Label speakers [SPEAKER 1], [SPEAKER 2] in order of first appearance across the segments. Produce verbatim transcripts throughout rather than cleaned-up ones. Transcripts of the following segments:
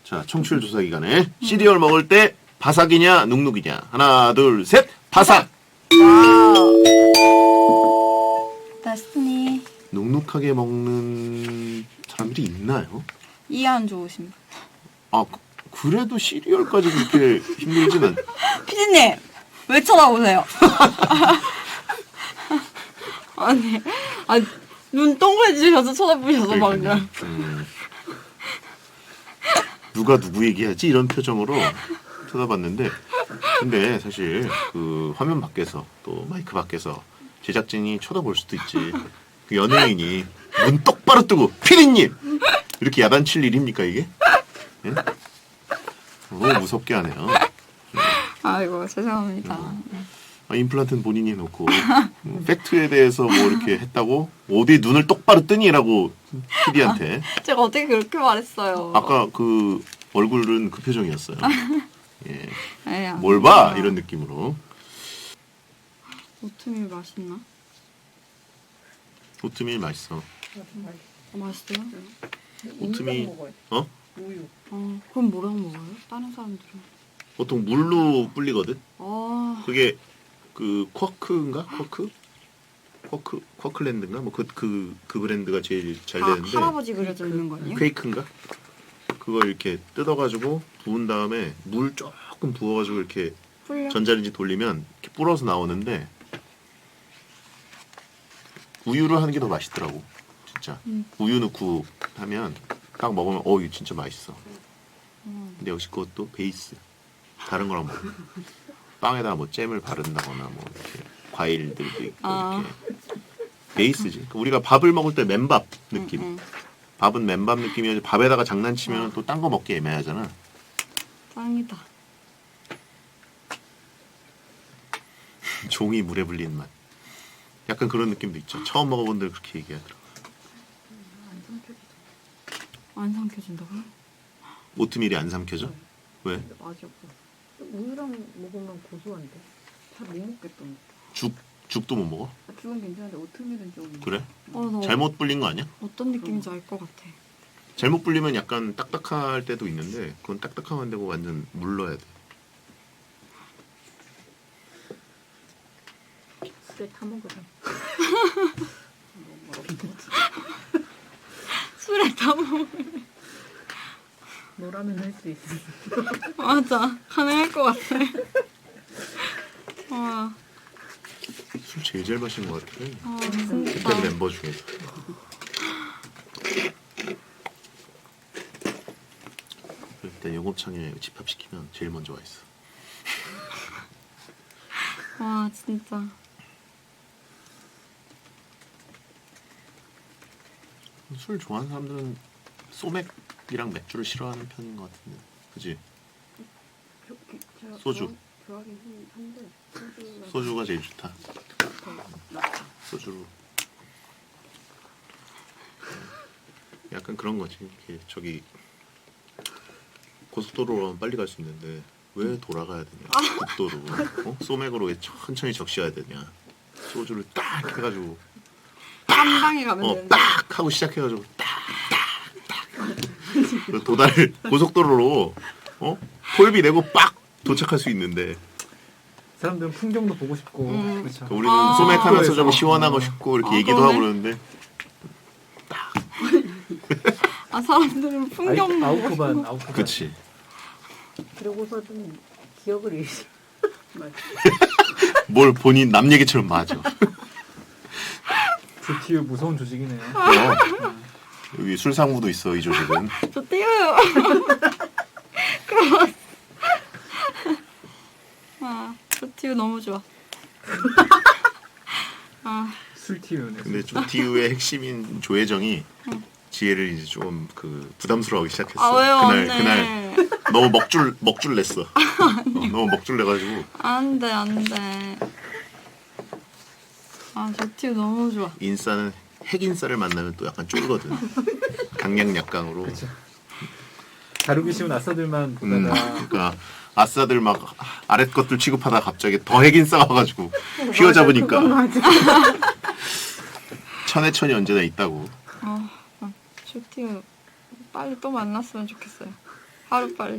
[SPEAKER 1] 자, 청취율 조사 기간에 시리얼 먹을 때 바삭이냐 눅눅이냐. 하나, 둘, 셋. 바삭.
[SPEAKER 2] 와우. 데스티니.
[SPEAKER 1] 눅눅하게 먹는 사람들이 있나요?
[SPEAKER 2] 이해 안 좋으신 분.
[SPEAKER 1] 아, 그- 그래도 시리얼까지 그렇게 힘들지는.
[SPEAKER 2] 피디님 왜 쳐다보세요? 아니, 아니 눈 동그래지셔서 쳐다보셔서 방금.
[SPEAKER 1] 음. 누가 누구 얘기하지? 이런 표정으로 쳐다봤는데, 근데 사실 그 화면 밖에서 또 마이크 밖에서 제작진이 쳐다볼 수도 있지. 그 연예인이 눈 똑바로 뜨고 피디님 이렇게 야단칠 일입니까 이게? 예? 너무 무섭게 하네요.
[SPEAKER 2] 아이고 죄송합니다.
[SPEAKER 1] 아, 임플란트는 본인이 해놓고 뭐, 팩트에 대해서 뭐 이렇게 했다고 어디 눈을 똑바로 뜨니라고 피디한테.
[SPEAKER 2] 제가 어떻게 그렇게 말했어요?
[SPEAKER 1] 아까 그 얼굴은 그 표정이었어요. 예.
[SPEAKER 2] 에이,
[SPEAKER 1] 뭘 봐?
[SPEAKER 2] 아니구나.
[SPEAKER 1] 이런 느낌으로.
[SPEAKER 2] 오트밀 맛있나?
[SPEAKER 1] 오트밀 맛있어.
[SPEAKER 2] 어, 맛있어요?
[SPEAKER 1] 오트밀 어?
[SPEAKER 3] 우유.
[SPEAKER 2] 어, 그럼 뭐랑 먹어요? 다른 사람들은?
[SPEAKER 1] 보통 물로 불리거든.
[SPEAKER 2] 아,
[SPEAKER 1] 그게 그 쿼크인가? 쿼크? 쿼크 쿼클랜드인가? 뭐 그 그 그 브랜드가 제일 잘
[SPEAKER 2] 다
[SPEAKER 1] 되는데.
[SPEAKER 2] 할아버지 그려져 있는 거 아니에요?
[SPEAKER 1] 퀘이크인가? 그걸 이렇게 뜯어가지고 부은 다음에 물 조금 부어가지고 이렇게
[SPEAKER 2] 풀려?
[SPEAKER 1] 전자레인지 돌리면 이렇게 불어서 나오는데 우유를 하는 게 더 맛있더라고. 진짜.
[SPEAKER 2] 음.
[SPEAKER 1] 우유 넣고 하면 딱 먹으면 어 이거 진짜 맛있어.
[SPEAKER 2] 음.
[SPEAKER 1] 근데 역시 그것도 베이스. 다른 거랑 먹어. 빵에다가 뭐 잼을 바른다거나 뭐 이렇게 과일들도 있고
[SPEAKER 2] 아.
[SPEAKER 1] 이렇게 베이스지. 그러니까 우리가 밥을 먹을 때 맨밥 느낌.
[SPEAKER 2] 응, 응.
[SPEAKER 1] 밥은 맨밥 느낌이어서 밥에다가 장난치면 또 딴 거 먹기 애매하잖아.
[SPEAKER 2] 짱이다.
[SPEAKER 1] 종이 물에 불린 맛. 약간 그런 느낌도 있죠. 처음 먹어본 들 그렇게 얘기하더라고.
[SPEAKER 2] 안 삼켜진다고요?
[SPEAKER 1] 오트밀이 안 삼켜져? 왜?
[SPEAKER 3] 맛이 없어. 우유랑 먹으면 고소한데. 잘 못 먹겠던데.
[SPEAKER 1] 죽 죽도 못 먹어?
[SPEAKER 3] 아, 죽은 괜찮은데 오트밀은 좀.
[SPEAKER 1] 그래?
[SPEAKER 2] 어, 나
[SPEAKER 1] 잘못 불린 거 아니야?
[SPEAKER 2] 어떤 느낌인지 알 것 같아.
[SPEAKER 1] 잘못 불리면 약간 딱딱할 때도 있는데 그건 딱딱하면 안 되고 완전 물러야 돼.
[SPEAKER 3] 술에 타 먹으라.
[SPEAKER 2] 술에 다 먹어.
[SPEAKER 3] 너라면 할 수 있어.
[SPEAKER 2] 맞아. 가능할 것 같아. 와,
[SPEAKER 1] 술 제일 잘 마시는 것 같아.
[SPEAKER 2] 아,
[SPEAKER 1] 그때
[SPEAKER 2] 진짜.
[SPEAKER 1] 멤버 중에서. 일단 영업창에 집합시키면 제일 먼저 와 있어.
[SPEAKER 2] 와, 진짜.
[SPEAKER 1] 술 좋아하는 사람들은 소맥이랑 맥주를 싫어하는 편인 것 같은데, 그지? 소주.
[SPEAKER 3] 좋아하긴 한데 소주가
[SPEAKER 1] 소주가 제일 좋다.
[SPEAKER 3] 더 낫다.
[SPEAKER 1] 소주로. 약간 그런 거지. 이렇게 저기 고속도로로 빨리 갈 수 있는데 왜 돌아가야 되냐? 국도로. 어? 소맥으로 왜 천천히 적셔야 되냐? 소주를 딱 해가지고
[SPEAKER 2] 한 방에 가면
[SPEAKER 1] 어,
[SPEAKER 2] 되는데.
[SPEAKER 1] 딱 하고 시작해가지고 딱딱딱 도달 고속도로로 어 톨비 내고 빡 도착할 수 있는데
[SPEAKER 4] 사람들은 풍경도 보고 싶고
[SPEAKER 2] 음.
[SPEAKER 4] 그렇죠.
[SPEAKER 1] 우리는
[SPEAKER 2] 아.
[SPEAKER 1] 소맥하면서 좀
[SPEAKER 4] 그래서.
[SPEAKER 1] 시원하고 싶고 이렇게
[SPEAKER 2] 아,
[SPEAKER 1] 얘기도
[SPEAKER 2] 그러네.
[SPEAKER 1] 하고 그러는데
[SPEAKER 2] 아, 사람들은 풍경
[SPEAKER 4] 아이-
[SPEAKER 2] 보고
[SPEAKER 4] 아웃코반 아웃코반.
[SPEAKER 1] 그치.
[SPEAKER 3] 그러고서 좀 기억을 잃지. 맞아.
[SPEAKER 1] 뭘 본인 남 얘기처럼 맞아.
[SPEAKER 4] 지티유 무서운 조직이네요.
[SPEAKER 1] 어. 여기 술상무도 있어 이 조직은.
[SPEAKER 2] 저 띄워요. 그럼. 아, 저 띄우 너무 좋아. 아,
[SPEAKER 4] 술티유네.
[SPEAKER 1] 근데 조티우의 핵심인 조혜정이 지혜를 이제 좀 그 부담스러워하기 시작했어.
[SPEAKER 2] 아 왜요,
[SPEAKER 1] 그날
[SPEAKER 2] 언니?
[SPEAKER 1] 그날 너무 먹줄 먹줄 냈어. 어, 너무 먹줄 내가지고
[SPEAKER 2] 안 돼, 안 돼. 아, 저 띄우 너무 좋아.
[SPEAKER 1] 인싸는 핵인싸를 만나면 또 약간 쫄거든. 강약약강으로.
[SPEAKER 4] 다루기 쉬운 아싸들만
[SPEAKER 1] 음,
[SPEAKER 4] 보다가
[SPEAKER 1] 그러니까 아싸들 막 아랫 것들 취급하다 갑자기 더 핵인싸 와가지고 휘어잡으니까 천해천이 언제나 있다고.
[SPEAKER 2] 아, 저 띄우 빨리 또 만났으면 좋겠어요. 하루 빨리.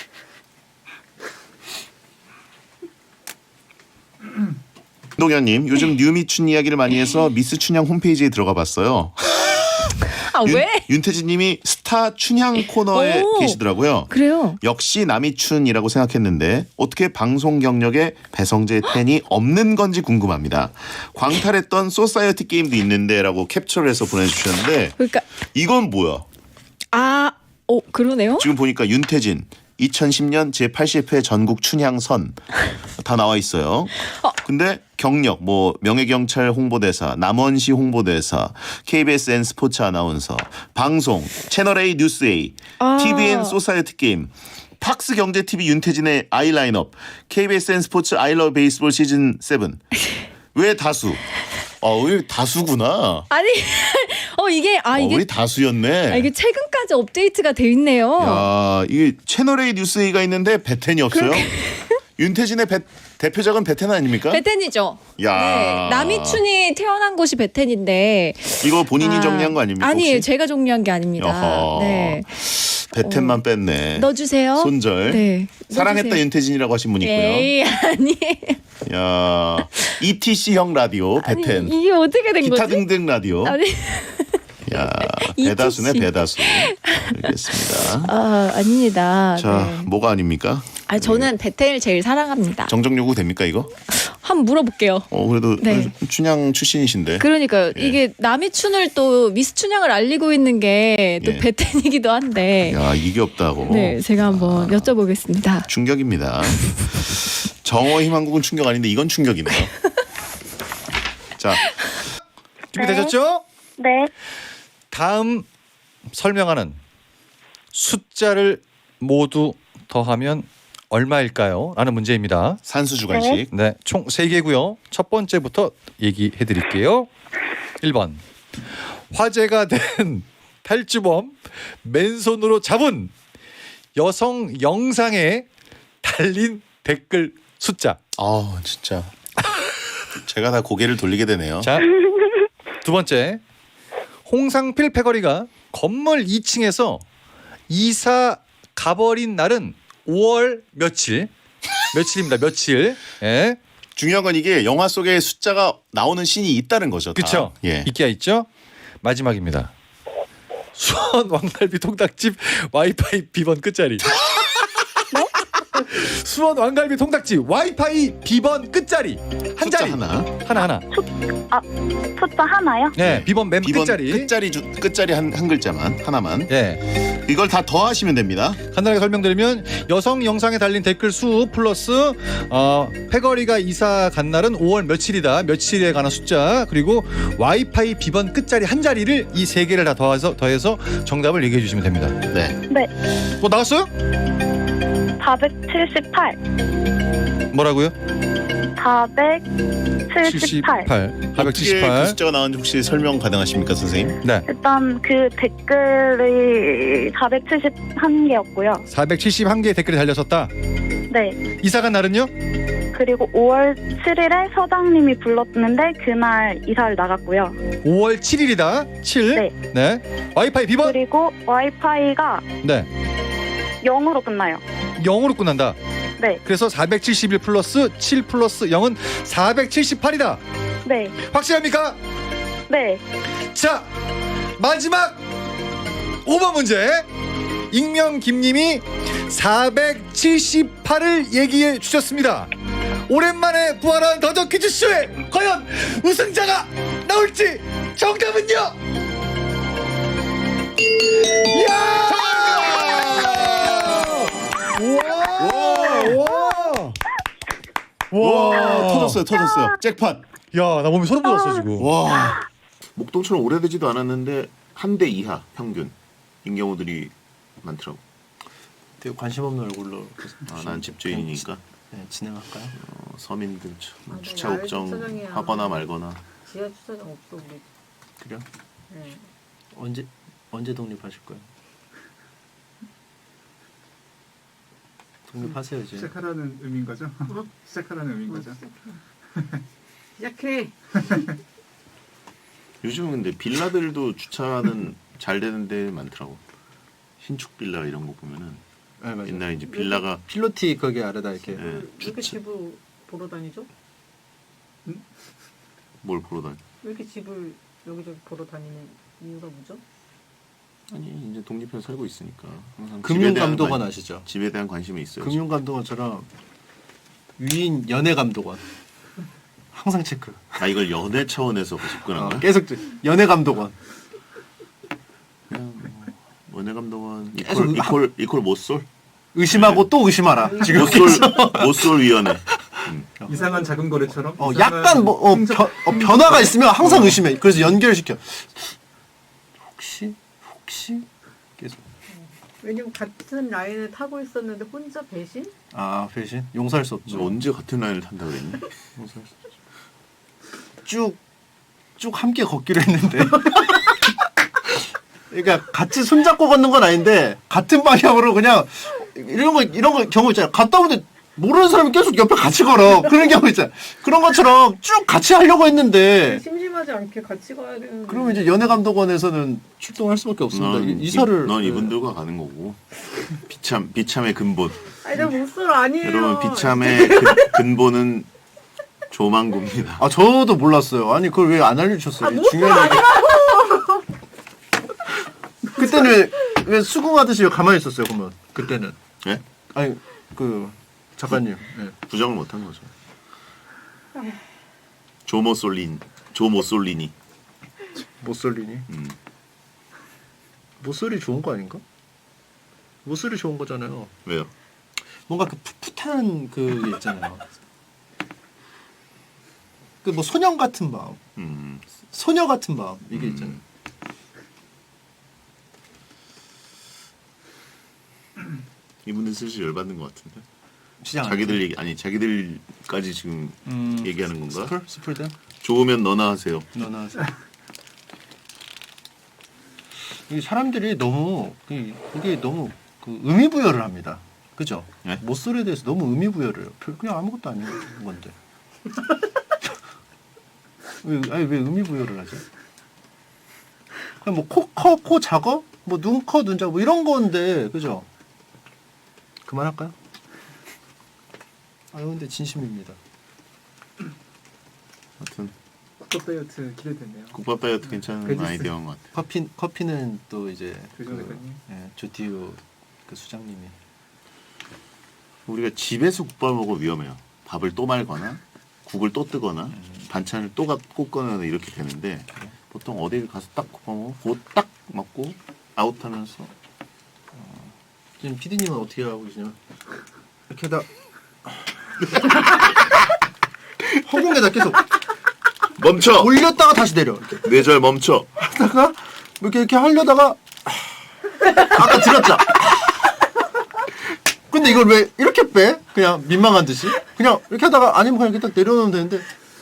[SPEAKER 1] 동현님 요즘 뉴미춘 이야기를 많이 해서 미스 춘향 홈페이지에 들어가 봤어요.
[SPEAKER 5] 아
[SPEAKER 1] 윤,
[SPEAKER 5] 왜?
[SPEAKER 1] 윤태진님이 스타 춘향 코너에
[SPEAKER 5] 오.
[SPEAKER 1] 계시더라고요.
[SPEAKER 5] 그래요?
[SPEAKER 1] 역시 남이춘이라고 생각했는데 어떻게 방송 경력에 배성재 팬이 없는 건지 궁금합니다. 광탈했던 소사이어티 게임도 있는데라고 캡처를 해서 보내주셨는데
[SPEAKER 5] 그러니까
[SPEAKER 1] 이건 뭐야?
[SPEAKER 5] 아, 어 그러네요.
[SPEAKER 1] 지금 보니까 윤태진 이천십 년 제팔십 회 전국 춘향선 다 나와 있어요. 근데 경력 뭐 명예경찰 홍보대사, 남원시 홍보대사, 케이비에스엔 스포츠 아나운서, 방송, 채널A 뉴스A,
[SPEAKER 5] 아.
[SPEAKER 1] 티비엔 소사이어티 게임, 팍스 경제티비 윤태진의 아이 라인업, 케이비에스엔 스포츠 아이러브 베이스볼 시즌 칠. 왜 다수? 아, 우리 다수구나.
[SPEAKER 5] 아니, 어 이게 아
[SPEAKER 1] 어,
[SPEAKER 5] 이게
[SPEAKER 1] 우리 다수였네.
[SPEAKER 5] 아, 이게 최근까지 업데이트가 돼 있네요.
[SPEAKER 1] 야, 이게 채널A 뉴스A가 있는데 베텐이 없어요? 윤태진의 배, 대표작은 베텐 아닙니까?
[SPEAKER 5] 베텐이죠.
[SPEAKER 1] 야.
[SPEAKER 5] 네, 남이춘이 태어난 곳이 베텐인데
[SPEAKER 1] 이거 본인이
[SPEAKER 5] 아,
[SPEAKER 1] 정리한 거 아닙니까?
[SPEAKER 5] 아니에요,
[SPEAKER 1] 혹시?
[SPEAKER 5] 제가 정리한 게 아닙니다.
[SPEAKER 1] 여허.
[SPEAKER 5] 네,
[SPEAKER 1] 베텐만 뺐네.
[SPEAKER 5] 넣어주세요.
[SPEAKER 1] 손절.
[SPEAKER 5] 네,
[SPEAKER 1] 사랑했다
[SPEAKER 5] 넣어주세요.
[SPEAKER 1] 윤태진이라고 하신 분이 있고요.
[SPEAKER 5] 에이 아니.
[SPEAKER 1] 야, 이티씨형 라디오 베텐.
[SPEAKER 5] 아니, 이게 어떻게 된
[SPEAKER 1] 기타
[SPEAKER 5] 거지?
[SPEAKER 1] 등등 라디오.
[SPEAKER 5] 아니,
[SPEAKER 1] 야,
[SPEAKER 5] 이티씨.
[SPEAKER 1] 배다수네 배다수. 알겠습니다.
[SPEAKER 5] 아 아닙니다.
[SPEAKER 1] 자,
[SPEAKER 5] 네.
[SPEAKER 1] 뭐가 아닙니까?
[SPEAKER 5] 아 저는 베텐을 제일 사랑합니다.
[SPEAKER 1] 정정 요구 됩니까 이거?
[SPEAKER 5] 한번 물어볼게요.
[SPEAKER 1] 어 그래도
[SPEAKER 5] 네.
[SPEAKER 1] 춘향 출신이신데.
[SPEAKER 5] 그러니까요.
[SPEAKER 1] 예.
[SPEAKER 5] 이게 남이춘을 또 미스 춘향을 알리고 있는 게 또
[SPEAKER 1] 예.
[SPEAKER 5] 베텐이기도 한데.
[SPEAKER 1] 야, 이게 없다고.
[SPEAKER 5] 네, 제가 한번 여쭤보겠습니다.
[SPEAKER 1] 충격입니다. 정어 희망국은 충격 아닌데 이건 충격이네요. 자,
[SPEAKER 6] 준비되셨죠?
[SPEAKER 7] 네,
[SPEAKER 6] 다음 설명하는 숫자를 모두 더하면 얼마일까요? 라는 문제입니다.
[SPEAKER 1] 산수 주간식.
[SPEAKER 6] 네, 총 세 개고요. 첫 번째부터 얘기해 드릴게요. 일 번. 화제가 된 탈주범 맨손으로 잡은 여성 영상에 달린 댓글 숫자.
[SPEAKER 1] 아, 진짜. 제가 다 고개를 돌리게 되네요.
[SPEAKER 6] 자, 두 번째. 홍상필 패거리가 건물 이 층에서 이사 가버린 날은 오월 며칠? 며칠입니다. 며칠. 예.
[SPEAKER 1] 중요한 건 이게 영화 속에 숫자가 나오는 신이 있다는 거죠. 다.
[SPEAKER 6] 그렇죠.
[SPEAKER 1] 예.
[SPEAKER 6] 있기야 있죠. 마지막입니다. 수원 왕갈비 통닭집 와이파이 비번 끝자리. 수원 왕갈비 통닭집 와이파이 비번 끝자리 한
[SPEAKER 1] 숫자
[SPEAKER 6] 자리
[SPEAKER 1] 하나.
[SPEAKER 6] 하나 하나.
[SPEAKER 7] 숫자 하나요?
[SPEAKER 6] 네, 비번 맨
[SPEAKER 1] 비번
[SPEAKER 6] 끝자리.
[SPEAKER 1] 끝자리 주, 끝자리 한, 한 글자만 하나만.
[SPEAKER 6] 예.
[SPEAKER 1] 이걸 다 더하시면 됩니다.
[SPEAKER 6] 간단하게 설명드리면 여성 영상에 달린 댓글 수 플러스 어, 패거리가 이사 간 날은 오월 며칠이다. 며칠에 관한 숫자 그리고 와이파이 비번 끝자리 한 자리를 이 세 개를 다 더해서 더해서 정답을 얘기해 주시면 됩니다.
[SPEAKER 1] 네.
[SPEAKER 7] 네,
[SPEAKER 6] 뭐 나왔어요?
[SPEAKER 7] 사백칠십팔.
[SPEAKER 6] 뭐라고요?
[SPEAKER 7] 사백칠십팔.
[SPEAKER 1] 어떻게 그
[SPEAKER 6] 사백칠십팔.
[SPEAKER 1] 숫자가 나왔는지 혹시 설명 가능하십니까, 선생님?
[SPEAKER 6] 네.
[SPEAKER 7] 일단 그 댓글이 사백칠십일 개였고요.
[SPEAKER 6] 사백칠십일 개의 댓글이 달렸었다.
[SPEAKER 7] 네.
[SPEAKER 6] 이사 간 날은요?
[SPEAKER 7] 그리고 오월 칠일에 서장님이 불렀는데 그날 이사를 나갔고요.
[SPEAKER 6] 오월 칠일이다. 칠.
[SPEAKER 7] 네.
[SPEAKER 6] 네. 와이파이 비번?
[SPEAKER 7] 그리고 와이파이가
[SPEAKER 6] 네.
[SPEAKER 7] 영으로 끝나요.
[SPEAKER 6] 영으로 끝난다.
[SPEAKER 7] 네.
[SPEAKER 6] 그래서 사백칠십일 플러스 칠 플러스 영은 사백칠십팔이다.
[SPEAKER 7] 네.
[SPEAKER 6] 확실합니까?
[SPEAKER 7] 네.
[SPEAKER 6] 자, 마지막 오 번 문제. 익명 김님이 사백칠십팔을 얘기해 주셨습니다. 오랜만에 부활한 더더 퀴즈쇼에 과연 우승자가 나올지 정답은요? 이야! 우와! 우와!
[SPEAKER 1] 와, 터졌어요, 터졌어요. 잭팟.
[SPEAKER 6] 야, 나 몸이 소름 돋았어 지금.
[SPEAKER 1] 와. 목동처럼 오래되지도 않았는데 한 대 이하 평균 인 경우들이 많더라고.
[SPEAKER 8] 되게 관심 없는 얼굴로
[SPEAKER 1] 아, 난 집주인이니까.
[SPEAKER 8] 네, 진행할까요?
[SPEAKER 1] 어, 서민들 참
[SPEAKER 3] 아, 네,
[SPEAKER 1] 주차
[SPEAKER 3] 야외
[SPEAKER 1] 걱정
[SPEAKER 3] 주차장이야.
[SPEAKER 1] 하거나 말거나.
[SPEAKER 3] 지하 주차장 없어 우리.
[SPEAKER 1] 그래요?
[SPEAKER 3] 네.
[SPEAKER 8] 언제 언제 독립하실 거예요? 독립하세요 이제.
[SPEAKER 4] 시작하라는 의미인 거죠? 시작하라는 의미인 거죠?
[SPEAKER 3] 시작해.
[SPEAKER 1] 요즘은 근데 빌라들도 주차는 잘 되는 데 많더라고. 신축 빌라 이런 거 보면은
[SPEAKER 8] 네, 맞아요.
[SPEAKER 1] 옛날에 이제 빌라가
[SPEAKER 8] 필로티 거기 아래다 이렇게.
[SPEAKER 1] 예,
[SPEAKER 3] 왜 이렇게
[SPEAKER 1] 주차
[SPEAKER 3] 집을 보러 다니죠?
[SPEAKER 1] 뭘 보러 다니?
[SPEAKER 3] 왜 이렇게 집을 여기저기 보러 다니는 이유가 뭐죠?
[SPEAKER 1] 아니 이제 독립해서 살고 있으니까 항상 집에
[SPEAKER 8] 금융
[SPEAKER 1] 대한
[SPEAKER 8] 감독원
[SPEAKER 1] 관-
[SPEAKER 8] 아시죠?
[SPEAKER 1] 집에 대한 관심이 있어요.
[SPEAKER 8] 금융 감독원처럼 위인 연애 감독원. 항상 체크.
[SPEAKER 1] 아 이걸 연애 차원에서 접근한
[SPEAKER 8] 어,
[SPEAKER 1] 거야?
[SPEAKER 8] 계속 연애 감독원.
[SPEAKER 1] 그냥 뭐 연애 감독은
[SPEAKER 8] 계속
[SPEAKER 1] 이퀄 이퀄 이퀄 못쏠
[SPEAKER 8] 의심하고 또 의심하라. 지금
[SPEAKER 1] 못쏠 못쏠 위원회. 음.
[SPEAKER 4] 이상한 작은 거래처럼.
[SPEAKER 8] 어,
[SPEAKER 4] 이상한
[SPEAKER 8] 약간 뭐 어,
[SPEAKER 4] 행정-
[SPEAKER 8] 변, 어, 변화가 있으면 항상 의심해. 그래서 연결시켜. 혹시 혹시 계속.
[SPEAKER 3] 왜냐면 같은 라인을 타고 있었는데 혼자 배신?
[SPEAKER 8] 아 배신 용서할 수
[SPEAKER 1] 저
[SPEAKER 8] 없죠.
[SPEAKER 1] 언제 같은 라인을 탄다 그랬니?
[SPEAKER 8] 용서할 수 없죠. 쭉쭉 함께 걷기로 했는데. 그러니까 같이 손잡고 걷는 건 아닌데 같은 방향으로 그냥 이런 거 이런 거 경우 있잖아요. 갔다 오는데 모르는 사람이 계속 옆에 같이 걸어. 그런 경우 있잖아요. 그런 것처럼 쭉 같이 하려고 했는데
[SPEAKER 3] 심심하지 않게 같이 가야 되는데.
[SPEAKER 8] 그러면 이제 연애감독원에서는 출동할 수밖에 없습니다.
[SPEAKER 1] 넌,
[SPEAKER 8] 이- 이사를
[SPEAKER 1] 이, 넌
[SPEAKER 8] 네.
[SPEAKER 1] 이분들과 가는 거고 비참 비참의 근본.
[SPEAKER 3] 아니 나 못쏠 아니에요.
[SPEAKER 1] 여러분 비참의 근, 근본은 조망구입니다.
[SPEAKER 8] 아 저도 몰랐어요. 아니 그걸 왜 안 알려주셨어요?
[SPEAKER 3] 아, 못쏠
[SPEAKER 8] 중요한 얘기. 그때는 왜, 왜 수긍하듯이 왜 가만히 있었어요? 그러면 그때는
[SPEAKER 1] 예?
[SPEAKER 8] 아니 그 작가님 네.
[SPEAKER 1] 부정을 못한 거죠. 조모솔린 조모솔리니.
[SPEAKER 8] 모쏠리니
[SPEAKER 1] 음.
[SPEAKER 8] 모쏠이 좋은 거 아닌가? 모쏠이 좋은 거잖아요.
[SPEAKER 1] 왜요?
[SPEAKER 8] 뭔가 그 풋풋한 그 있잖아요. 그 뭐 소년 같은 마음,
[SPEAKER 1] 음.
[SPEAKER 8] 소녀 같은 마음 이게
[SPEAKER 1] 음.
[SPEAKER 8] 있잖아요.
[SPEAKER 1] 이분들 슬슬 열받는 것 같은데.
[SPEAKER 8] 시장
[SPEAKER 1] 자기들 얘기 아니 자기들까지 지금
[SPEAKER 8] 음,
[SPEAKER 1] 얘기하는 건가?
[SPEAKER 8] 스플 스플den
[SPEAKER 1] 좋으면 너나 하세요.
[SPEAKER 8] 너나 하세요. 이 사람들이 너무 이- 이게 너무 그 의미 부여를 합니다. 그죠?
[SPEAKER 1] 네?
[SPEAKER 8] 모쏠에 대해서 너무 의미 부여를 해요. 별- 그냥 아무것도 아닌 건데. 왜 아니 왜 의미 부여를 하지? 그냥 뭐 코 커 코 작어? 뭐 눈 커 눈 작어 뭐 이런 건데 그죠? 그만할까요? 아유 근데 진심입니다.
[SPEAKER 1] 하여튼
[SPEAKER 4] 국밥 다이어트 기대되네요.
[SPEAKER 1] 국밥 다이어트 괜찮은
[SPEAKER 4] 베지스.
[SPEAKER 1] 아이디어인 것 같아.
[SPEAKER 8] 커피 커피는 또 이제
[SPEAKER 4] 조정 작가님.
[SPEAKER 8] 예, 조티우 그 수장님이
[SPEAKER 1] 우리가 집에서 국밥 먹으면 위험해요. 밥을 또 말거나 국을 또 뜨거나 반찬을 또 가- 꽂거나 이렇게 되는데 보통 어딜 가서 딱 국밥 먹고 그거 딱 먹고 아웃하면서
[SPEAKER 8] 지금 피디님은 어떻게 하고 계시냐? 이렇게 다 허공에다 계속
[SPEAKER 1] 멈춰!
[SPEAKER 8] 올렸다가 다시 내려 이렇게
[SPEAKER 1] 뇌절 멈춰!
[SPEAKER 8] 하다가 이렇게 이렇게 하려다가 아까 들었죠? 근데 이걸 왜 이렇게 빼? 그냥 민망한 듯이 그냥 이렇게 하다가 아니면 그냥 이렇게 딱 내려놓으면 되는데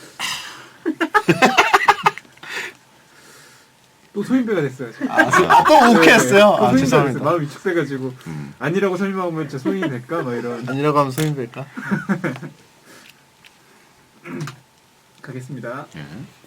[SPEAKER 4] 또 소인배가 됐어요. 지금.
[SPEAKER 8] 아, 소- 아, 또 오케했어요.
[SPEAKER 4] 또
[SPEAKER 8] 아,
[SPEAKER 4] 소인배가
[SPEAKER 8] 죄송합니다.
[SPEAKER 4] 됐어요. 마음 위축돼가지고
[SPEAKER 1] 음.
[SPEAKER 4] 아니라고 설명하면 진짜 소인이 될까? 막 이런.
[SPEAKER 8] 아니라고 하면 소인배일까?
[SPEAKER 4] 가겠습니다.
[SPEAKER 1] 예.